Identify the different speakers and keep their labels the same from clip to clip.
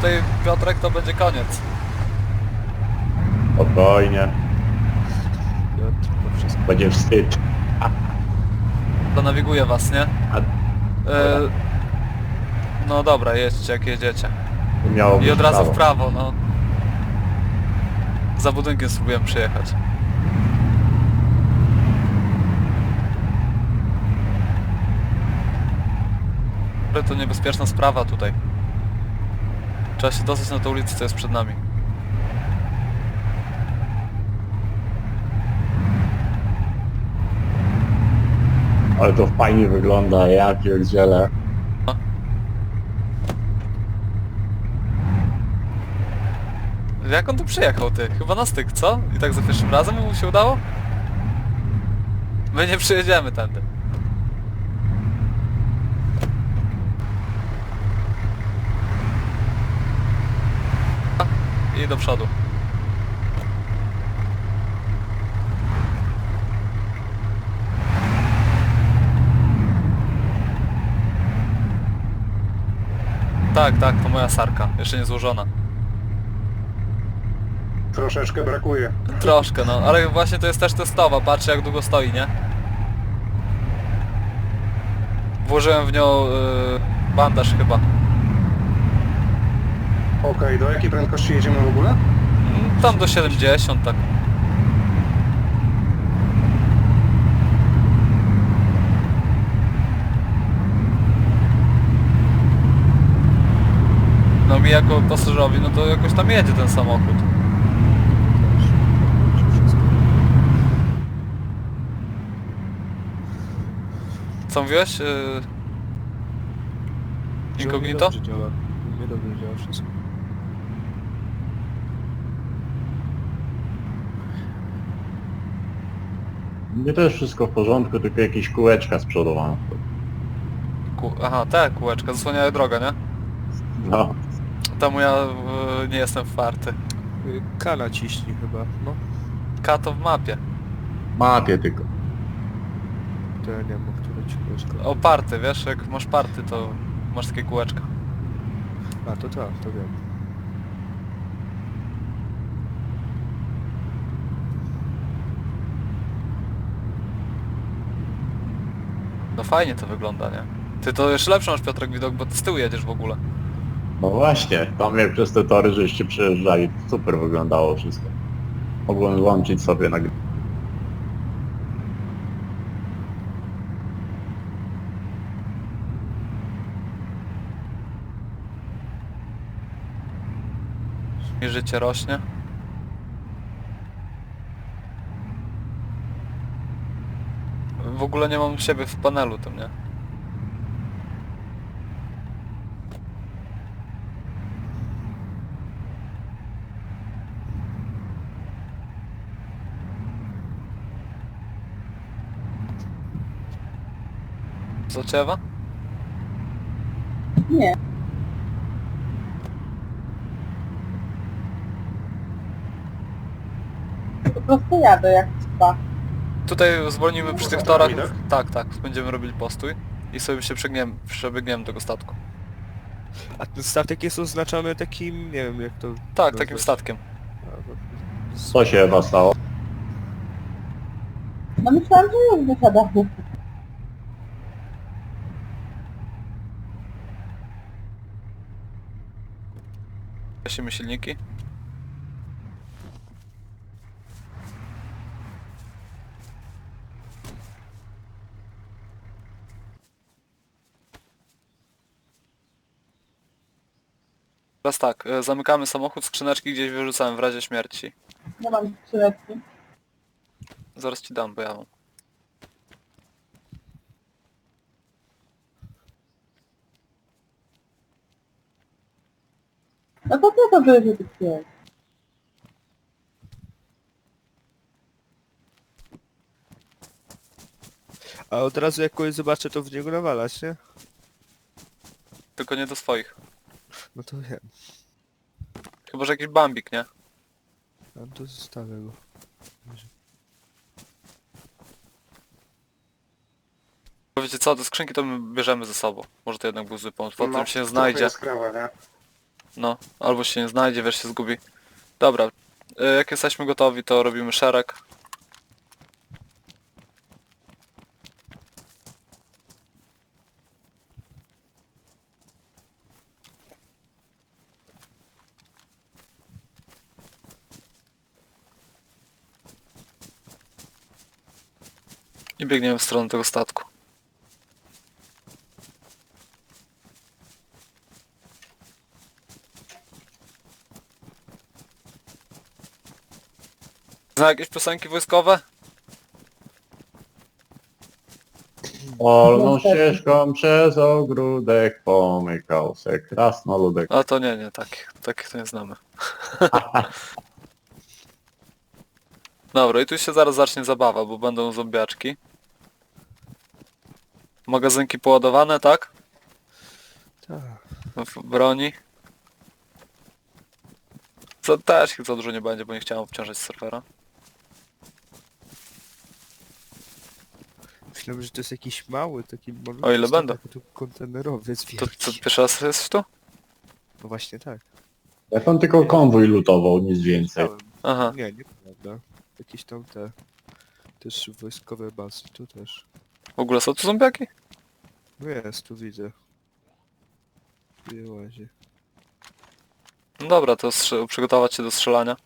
Speaker 1: tutaj, Piotrek, to będzie koniec.
Speaker 2: Spokojnie.
Speaker 3: Piotr, to wszystko.
Speaker 2: Będzie wstyd.
Speaker 1: To nawiguje was, nie?
Speaker 2: A
Speaker 1: No dobra, jedźcie jak jedziecie.
Speaker 2: miało
Speaker 1: I
Speaker 2: być
Speaker 1: od razu
Speaker 2: prawo.
Speaker 1: w prawo, no. Za budynkiem spróbuję przyjechać. Ale to niebezpieczna sprawa tutaj. Trzeba się dostać na tę ulicę, co jest przed nami.
Speaker 2: Ale to fajnie wygląda, ja pierdzielę.
Speaker 1: Jak on tu przyjechał, ty? Chyba na styk, co? I tak za pierwszym razem mu się udało? My nie przyjedziemy tędy. I do przodu. Tak, tak, to moja sarka. Jeszcze nie złożona.
Speaker 4: Troszeczkę brakuje.
Speaker 1: Troszkę, no, ale właśnie to jest też testowa, patrzcie jak długo stoi, nie? Włożyłem w nią bandaż chyba.
Speaker 4: Okej, do jakiej prędkości jedziemy w ogóle?
Speaker 1: Tam do 70, tak. No mi jako pasażerowi, no to jakoś tam jedzie ten samochód. Co mówiłeś? Incognito?
Speaker 3: Dobrze działa. Nie dobrze działa wszystko.
Speaker 2: Nie to jest wszystko w porządku, tylko jakieś kółeczka z przodu mam.
Speaker 1: Aha, te kółeczka zasłaniają drogę, nie?
Speaker 2: No.
Speaker 1: Temu ja nie jestem wparty.
Speaker 3: K naciśnij chyba, no.
Speaker 1: K to w mapie.
Speaker 2: Mapie tylko.
Speaker 3: To ja nie wiem, o które ci kółeczko.
Speaker 1: O party, wiesz, jak masz party, to masz takie kółeczka.
Speaker 3: A, to tak, to wiem.
Speaker 1: No fajnie to wygląda, nie? Ty to jeszcze lepszy masz, Piotrek, widok, bo ty z tyłu jedziesz w ogóle.
Speaker 2: No właśnie, tam jak przez te tory żeście przejeżdżali, to super wyglądało wszystko. Mogłem włączyć sobie na
Speaker 1: I życie rośnie. W ogóle nie mam siebie w panelu tym, nie? Co ciewa?
Speaker 5: Nie. Po prostu jadę jak trzeba.
Speaker 1: Tutaj zwolnimy przy tych
Speaker 4: Za
Speaker 1: torach.
Speaker 4: nami,
Speaker 1: Tak, tak, będziemy robili postój i sobie się przebiegniemy tego statku.
Speaker 3: A ten statek jest oznaczony takim, nie wiem jak to...
Speaker 1: Tak,
Speaker 3: nazwać.
Speaker 1: takim statkiem.
Speaker 3: A, no,
Speaker 2: Co się chyba stało?
Speaker 5: No myślałam, że już wysiadamy.
Speaker 1: Gasimy silniki. Teraz tak, zamykamy samochód, skrzyneczki gdzieś wyrzucałem w razie śmierci.
Speaker 5: Nie mam skrzyneczki.
Speaker 1: Zaraz ci dam, bo ja mam.
Speaker 5: No to co to będzie tych jest?
Speaker 3: A od razu jak kogoś zobaczę, to w niego nawalać, nie?
Speaker 1: Tylko nie do swoich.
Speaker 3: No to wiem.
Speaker 1: Chyba że jakiś bambik, nie?
Speaker 3: A to zostawię go.
Speaker 1: Wiecie co, te skrzynki to my bierzemy ze sobą. Może to jednak był zły pomysł. Potem się
Speaker 4: trochę
Speaker 1: znajdzie.
Speaker 4: jest krawa, nie?
Speaker 1: No, albo się nie znajdzie, wiesz, się zgubi. Dobra, jak jesteśmy gotowi, to robimy szereg. I biegniemy w stronę tego statku. Zna jakieś piosenki wojskowe?
Speaker 2: Polną ścieżką przez ogródek pomykał se krasnoludek.
Speaker 1: A to nie, takich to nie znamy. Dobra, i tu się zaraz zacznie zabawa, bo będą zombiaczki. Magazynki poładowane, tak?
Speaker 3: Tak.
Speaker 1: W broni. Co też ich za dużo nie będzie, bo nie chciałem obciążać serwera.
Speaker 3: Myślałem, że to jest jakiś mały, taki malutki
Speaker 1: O ile
Speaker 3: statek,
Speaker 1: będą?
Speaker 3: Tu kontenerowiec
Speaker 1: To
Speaker 3: wielki.
Speaker 1: pierwszy raz jest tu?
Speaker 3: No właśnie tak.
Speaker 2: Jak on tylko konwój lutował, nic więcej.
Speaker 3: Myślałem.
Speaker 1: Aha.
Speaker 3: Nie, nieprawda. Jakieś tam te... Też wojskowe bazy, tu też.
Speaker 1: W ogóle są tu zombiaki?
Speaker 3: No jest, tu widzę. Tu je łazie.
Speaker 1: No dobra, to przygotować się do strzelania.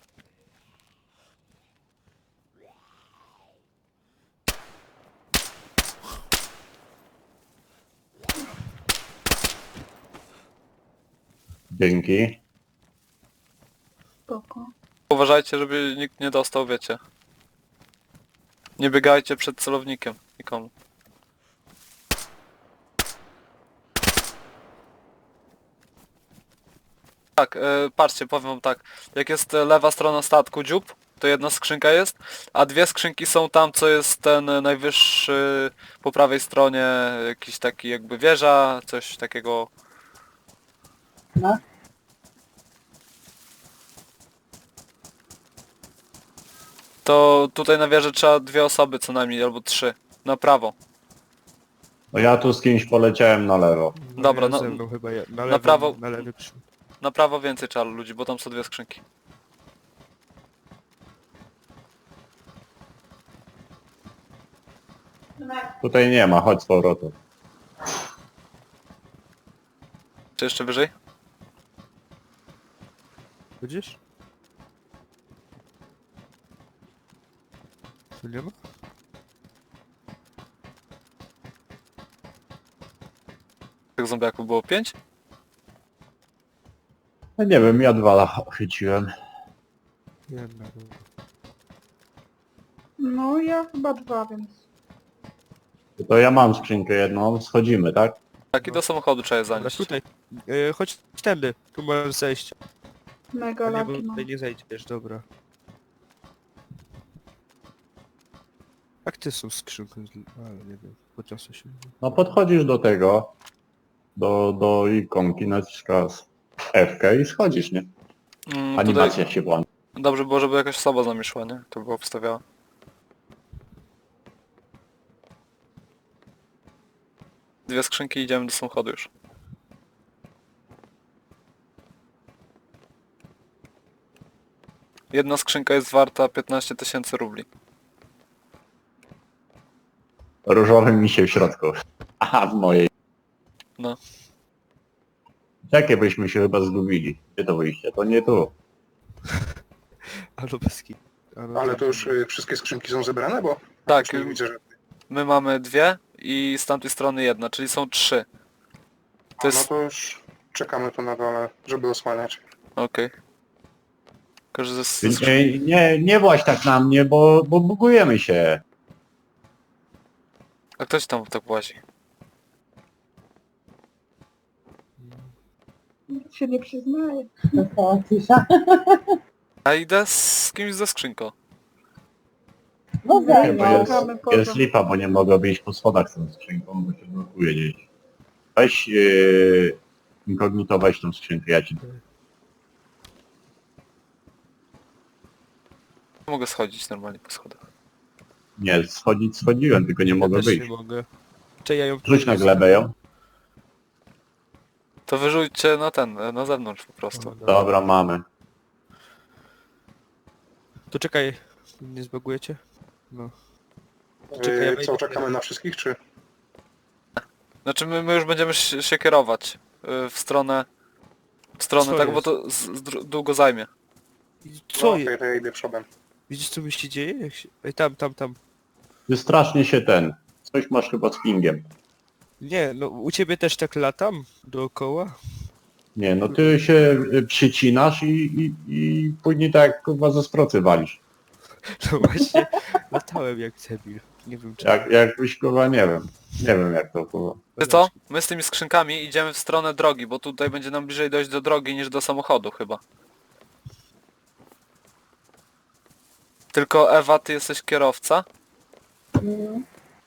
Speaker 2: Dzięki.
Speaker 5: Spoko.
Speaker 1: Uważajcie, żeby nikt nie dostał, wiecie. Nie biegajcie przed celownikiem nikomu. Tak, patrzcie, powiem wam tak. Jak jest lewa strona statku dziób, to jedna skrzynka jest, a dwie skrzynki są tam, co jest ten najwyższy po prawej stronie, jakiś taki jakby wieża, coś takiego.
Speaker 5: No.
Speaker 1: To tutaj na wieży trzeba dwie osoby co najmniej, albo trzy. Na prawo.
Speaker 2: No ja tu z kimś poleciałem na lewo.
Speaker 3: No
Speaker 1: Dobra,
Speaker 3: ja
Speaker 1: no-
Speaker 3: ze mną chyba ja,
Speaker 1: na prawo-
Speaker 3: Na lewy przód.
Speaker 1: Na prawo więcej trzeba ludzi, bo tam są dwie skrzynki.
Speaker 2: Tutaj nie ma, chodź z powrotem.
Speaker 1: Czy jeszcze wyżej?
Speaker 3: Widzisz? Tu nie ma?
Speaker 1: Tych zombiaków było 5?
Speaker 2: No nie wiem, ja 2 chyciłem.
Speaker 3: Jedna.
Speaker 5: No ja chyba 2, więc...
Speaker 2: To ja mam skrzynkę jedną, schodzimy, tak?
Speaker 1: Tak, i do samochodu trzeba je
Speaker 3: Dobra,
Speaker 1: zanieść.
Speaker 3: tutaj. Chodź tędy. Tu możesz zejść.
Speaker 5: Mega
Speaker 3: A nie, bo
Speaker 5: laki mam.
Speaker 3: tutaj nie zejdziesz, dobra. Jak ty są skrzynki? Ale nie wiem, podniosę się.
Speaker 2: No podchodzisz do tego, do ikonki, naciskasz F i schodzisz, nie?
Speaker 1: Tutaj
Speaker 2: Animacja się włącza.
Speaker 1: dobrze było, żeby jakaś osoba z nami szła, nie? To było obstawiała. Dwie skrzynki i idziemy do samochodu już. Jedna skrzynka jest warta 15 000 rubli.
Speaker 2: Różowy misie w środku. Aha, w mojej.
Speaker 1: No.
Speaker 2: Jakie byśmy się chyba zgubili? Gdzie to wyjście? To nie tu.
Speaker 3: Ale bez kit.
Speaker 4: Ale to już wszystkie skrzynki są zebrane, bo
Speaker 1: Tak,
Speaker 4: już nie widzę, że...
Speaker 1: my mamy dwie i z tamtej strony jedna, czyli są 3. To
Speaker 4: No
Speaker 1: jest...
Speaker 4: to już czekamy tu na dole, żeby osłaniać.
Speaker 1: Okej. Tylko, że
Speaker 2: Nie właź tak na mnie, bo bugujemy się.
Speaker 1: A ktoś tam tak łazi?
Speaker 5: Się nie przyznaję. Została cisza.
Speaker 1: Ja idę z kimś ze skrzynką.
Speaker 5: No
Speaker 2: Nie,
Speaker 5: ze
Speaker 2: bo
Speaker 5: mną.
Speaker 2: jest lipa, bo nie mogę wyjść po schodach z tą skrzynką, bo się blokuje gdzieś. Weź inkognito, weź tą skrzynkę, ja ci...
Speaker 1: Mogę schodzić normalnie po schodach.
Speaker 2: Nie, schodziłem, tylko nie mogę
Speaker 3: też
Speaker 2: wyjść.
Speaker 3: nie mogę. Czy ja ją
Speaker 2: Rzuć na glebę ją.
Speaker 1: To wyrzućcie na ten, na zewnątrz po prostu.
Speaker 3: O, no.
Speaker 2: Dobra, mamy.
Speaker 3: To czekaj, nie zbagujecie? No. Czekaj, ja wejdę.
Speaker 4: Co, czekamy na wszystkich, czy?
Speaker 1: Znaczy my już będziemy się kierować w stronę
Speaker 3: Co
Speaker 1: tak, bo
Speaker 3: jest?
Speaker 1: to długo zajmie.
Speaker 3: Co
Speaker 4: No,
Speaker 3: jest?
Speaker 4: okej, to ja idę przodem.
Speaker 3: Widzisz co mi się dzieje? Jak się... Ej, tam.
Speaker 2: Ty strasznie się coś masz chyba z pingiem.
Speaker 3: Nie, no u ciebie też tak latam dookoła?
Speaker 2: Nie, no ty się przycinasz i później tak jak kurwa ze sprocy walisz.
Speaker 3: No właśnie, latałem jak debil. Nie wiem czy...
Speaker 2: Jakbyś kurwa nie wiem. Nie wiem jak to kurwa.
Speaker 1: Ty co? My z tymi skrzynkami idziemy w stronę drogi, bo tutaj będzie nam bliżej dojść do drogi niż do samochodu chyba. Tylko Ewa, ty jesteś kierowca?
Speaker 5: Mm.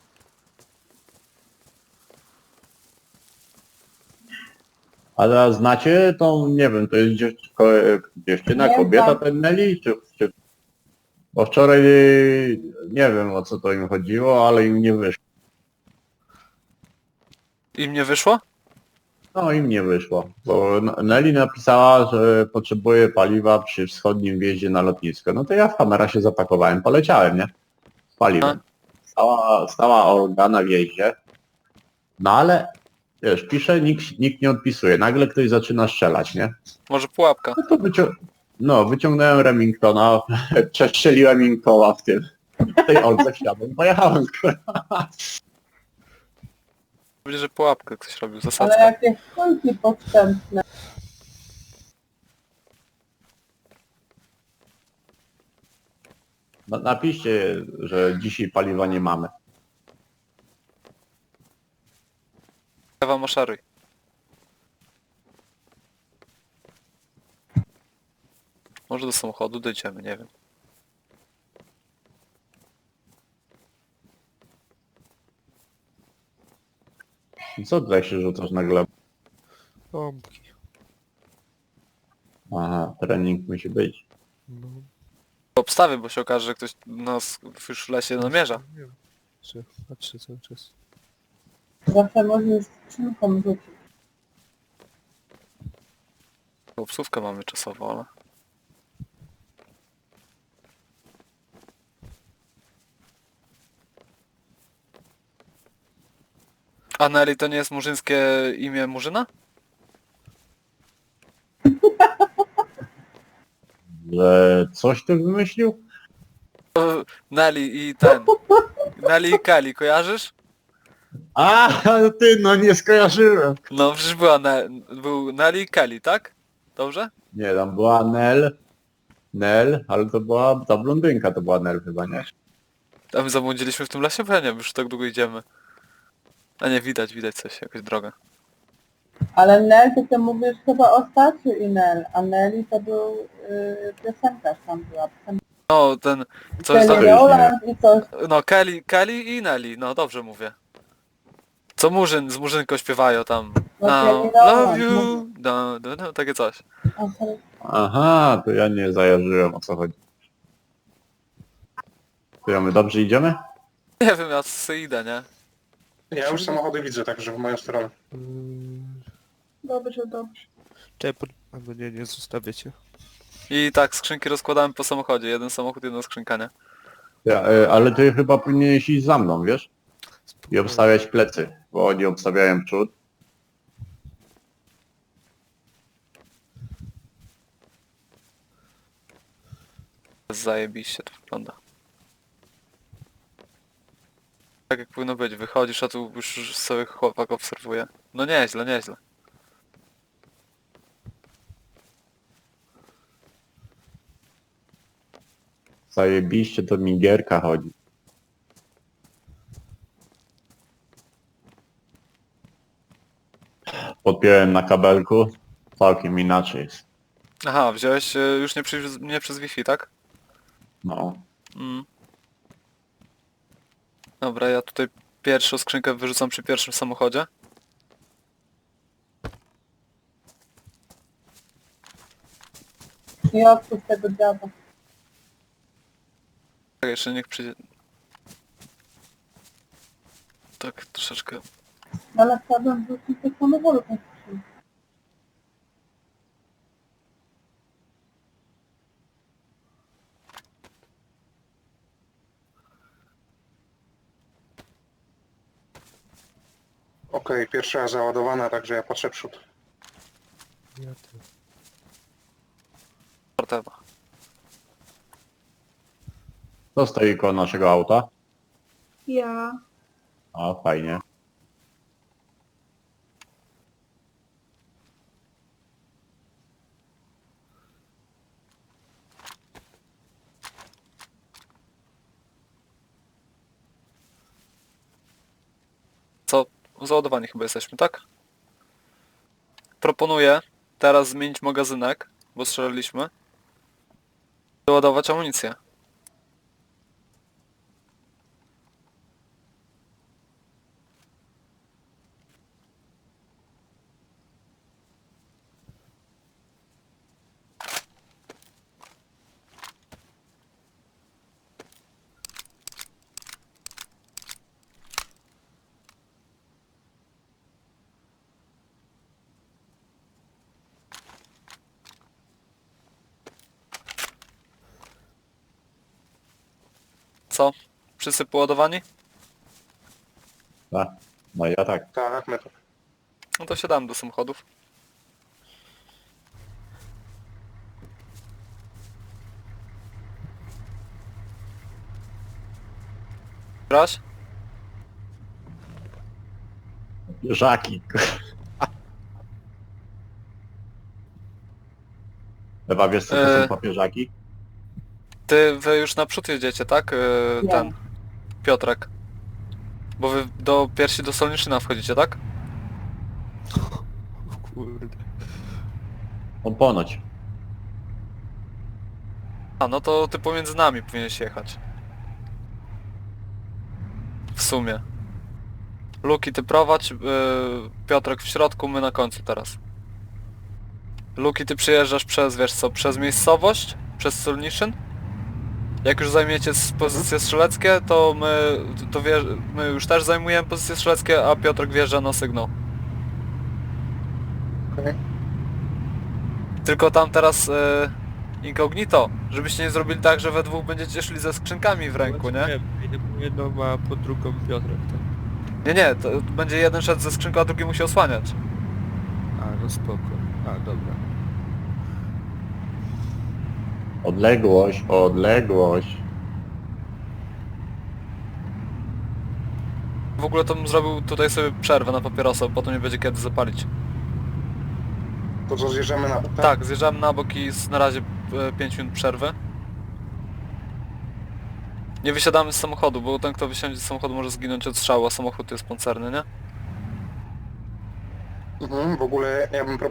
Speaker 2: Ale znacie tą, nie wiem, to jest dziewczyna,
Speaker 5: Nie
Speaker 2: kobieta,
Speaker 5: znam.
Speaker 2: ten Nelly? Czy... Bo wczoraj nie wiem o co to im chodziło, ale im nie wyszło.
Speaker 1: Im nie wyszło?
Speaker 2: No im nie wyszło, bo Nelly napisała, że potrzebuje paliwa przy wschodnim wjeździe na lotnisko. No to ja w kamera się zapakowałem, poleciałem, nie? Z paliwem. Stała Olga na wjeździe. No ale, wiesz, pisze, nikt nie odpisuje. Nagle ktoś zaczyna strzelać, nie?
Speaker 1: Może pułapka?
Speaker 2: No to wyciągnąłem Remingtona, przestrzeliłem im koła w tej Oldze wsiadłem i pojechałem.
Speaker 1: Będzie, że pułapkę ktoś robił,
Speaker 5: Ale
Speaker 1: zasadzkę.
Speaker 5: jakieś kulki podstępne.
Speaker 2: No, napiszcie, że dzisiaj paliwa nie mamy.
Speaker 1: Ewa, maszeruj. Może do samochodu dojdziemy, nie wiem.
Speaker 2: Co tutaj się rzucasz na glebę?
Speaker 3: Pompki.
Speaker 2: Aha, trening musi być.
Speaker 3: No.
Speaker 1: Obstawię, bo się okaże, że ktoś nas już w lesie namierza.
Speaker 3: Nie wiem. Patrzę cały czas.
Speaker 5: Zawsze możesz skrzynką rzucić.
Speaker 1: Obsówkę mamy czasową, ale... A Nelly to nie jest murzyńskie imię Murzyna?
Speaker 2: Że coś ty wymyślił?
Speaker 1: Nelly i ten... Nelly i Kelly, kojarzysz?
Speaker 2: A, ty, no nie skojarzyłem.
Speaker 1: No przecież był Nelly i Kelly, tak? Dobrze?
Speaker 2: Nie, tam była Nel, ale to była ta blondynka, to była Nel chyba, nie?
Speaker 1: A my zabłądziliśmy w tym lesie? Bo ja nie wiem, już tak długo idziemy. A nie, widać coś, jakaś droga.
Speaker 5: Ale Nel, ty mówisz chyba o Stasiu i Nel, a Nelly to był piosenkarz tam była.
Speaker 1: No, ten... Coś
Speaker 5: Kelly
Speaker 1: tam...
Speaker 2: już nie
Speaker 5: Rowland i coś.
Speaker 1: No, Kelly i Nelly, no dobrze mówię. Co Murzyn, z Murzynką śpiewają tam.
Speaker 5: No,
Speaker 1: Now,
Speaker 5: Kelly
Speaker 1: love
Speaker 5: Rowland,
Speaker 1: you, no, takie coś.
Speaker 5: Aha.
Speaker 2: Aha, to ja nie zajarzyłem o co chodzi. To my dobrze idziemy?
Speaker 1: Nie wiem, ja sobie idę, nie?
Speaker 4: Ja już samochody widzę, także w moją stronę.
Speaker 5: Dobrze.
Speaker 3: Czekaj, albo nie zostawiacie.
Speaker 1: I tak, skrzynki rozkładamy po samochodzie. Jeden samochód, jedna skrzynka, nie?
Speaker 2: Ale ty chyba powinieneś iść za mną, wiesz? I obstawiać plecy, bo oni obstawiają przód.
Speaker 1: Zajebiście to wygląda. Tak jak powinno być, wychodzisz, a tu już sobie chłopak obserwuje. No nieźle.
Speaker 2: Zajebiście to mi gierka chodzi. Podpiąłem na kabelku, całkiem inaczej jest.
Speaker 1: Aha, wziąłeś już nie przez Wi-Fi, tak?
Speaker 2: No.
Speaker 1: Mm. Dobra, ja tutaj pierwszą skrzynkę wyrzucam przy pierwszym samochodzie.
Speaker 5: Nie odpuść tego dziada.
Speaker 1: Tak, jeszcze niech przyjdzie... Tak, troszeczkę...
Speaker 5: Ale chciałbym wrzucić do samochodu tą skrzynkę.
Speaker 4: Okej, pierwsza załadowana, także ja patrzę przód.
Speaker 3: Ja też.
Speaker 1: Portewa.
Speaker 2: To stoi koło naszego auta.
Speaker 5: Ja.
Speaker 2: A, fajnie.
Speaker 1: Co? Załadowani chyba jesteśmy, tak? Proponuję teraz zmienić magazynek, bo strzeliliśmy. Doładować amunicję. Co? Wszyscy poładowani?
Speaker 2: Tak. No ja tak.
Speaker 4: Tak, my to.
Speaker 1: No to siadamy do samochodów. Graś?
Speaker 2: Żaki. Ewa, wiesz co to są papieżaki?
Speaker 1: Wy już naprzód jedziecie, tak?
Speaker 5: Ja.
Speaker 1: Ten Piotrek. Bo wy do piersi do Solniszyna wchodzicie, tak?
Speaker 3: O kurde.
Speaker 2: On ponoć.
Speaker 1: A no to ty pomiędzy nami powinieneś jechać. W sumie. Luki ty prowadź, Piotrek w środku, my na końcu teraz. Luki ty przyjeżdżasz przez, wiesz co, przez miejscowość, przez Solniszyn. Jak już zajmiecie pozycje strzeleckie, to my już też zajmujemy pozycje strzeleckie, a Piotrek wjeżdża na sygnał.
Speaker 4: Okej.
Speaker 1: Tylko tam teraz incognito, żebyście nie zrobili tak, że we dwóch będziecie szli ze skrzynkami w ręku, nie?
Speaker 3: Jedną ma pod drugą Piotrek, tak?
Speaker 1: Nie, to będzie jeden szedł ze skrzynką, a drugi musi osłaniać.
Speaker 3: A, no spoko. A, dobra.
Speaker 2: Odległość, odległość.
Speaker 1: W ogóle to bym zrobił tutaj sobie przerwę na papierosa, bo potem nie będzie kiedy zapalić.
Speaker 4: To co, zjeżdżamy na bok?
Speaker 1: Tak, zjeżdżamy na bok i na razie 5 minut przerwy. Nie wysiadamy z samochodu, bo ten kto wysiądzie z samochodu może zginąć od strzału, a samochód jest pancerny, nie?
Speaker 4: W ogóle ja bym